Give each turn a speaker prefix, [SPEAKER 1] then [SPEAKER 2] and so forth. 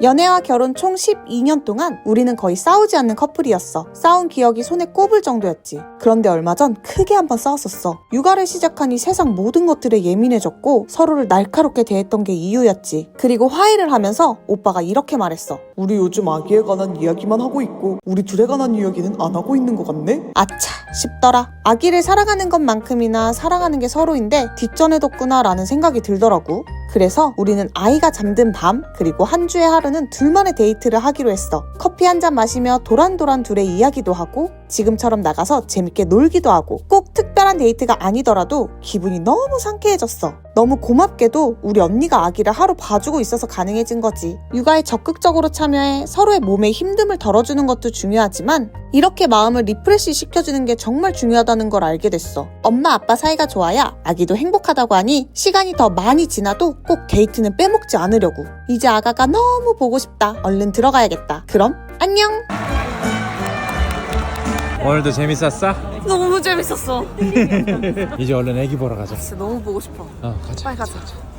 [SPEAKER 1] 연애와 결혼 총 12년 동안 우리는 거의 싸우지 않는 커플이었어. 싸운 기억이 손에 꼽을 정도였지. 그런데 얼마 전 크게 한번 싸웠었어. 육아를 시작하니 세상 모든 것들에 예민해졌고 서로를 날카롭게 대했던 게 이유였지. 그리고 화해를 하면서 오빠가 이렇게 말했어.
[SPEAKER 2] 우리 요즘 아기에 관한 이야기만 하고 있고 우리 둘에 관한 이야기는 안 하고 있는 것 같네?
[SPEAKER 1] 아차 싶더라. 아기를 사랑하는 것만큼이나 사랑하는 게 서로인데 뒷전에뒀구나 라는 생각이 들더라고. 그래서 우리는 아이가 잠든 밤 그리고 한 주의 하루는 둘만의 데이트를 하기로 했어. 커피 한 잔 마시며 도란도란 둘의 이야기도 하고 지금처럼 나가서 재밌게 놀기도 하고 꼭 특별한 데이트가 아니더라도 기분이 너무 상쾌해졌어. 너무 고맙게도 우리 언니가 아기를 하루 봐주고 있어서 가능해진 거지. 육아에 적극적으로 참여해 서로의 몸에 힘듦을 덜어주는 것도 중요하지만 이렇게 마음을 리프레시 시켜주는 게 정말 중요하다는 걸 알게 됐어. 엄마 아빠 사이가 좋아야 아기도 행복하다고 하니 시간이 더 많이 지나도 꼭 데이트는 빼먹지 않으려고. 이제 아가가 너무 보고 싶다. 얼른 들어가야겠다. 그럼 안녕.
[SPEAKER 3] 오늘도 재밌었어?
[SPEAKER 1] 너무 재밌었어.
[SPEAKER 3] 이제 얼른 애기 보러 가자.
[SPEAKER 1] 진짜 너무 보고 싶어.
[SPEAKER 3] 가자.
[SPEAKER 1] 빨리 가자.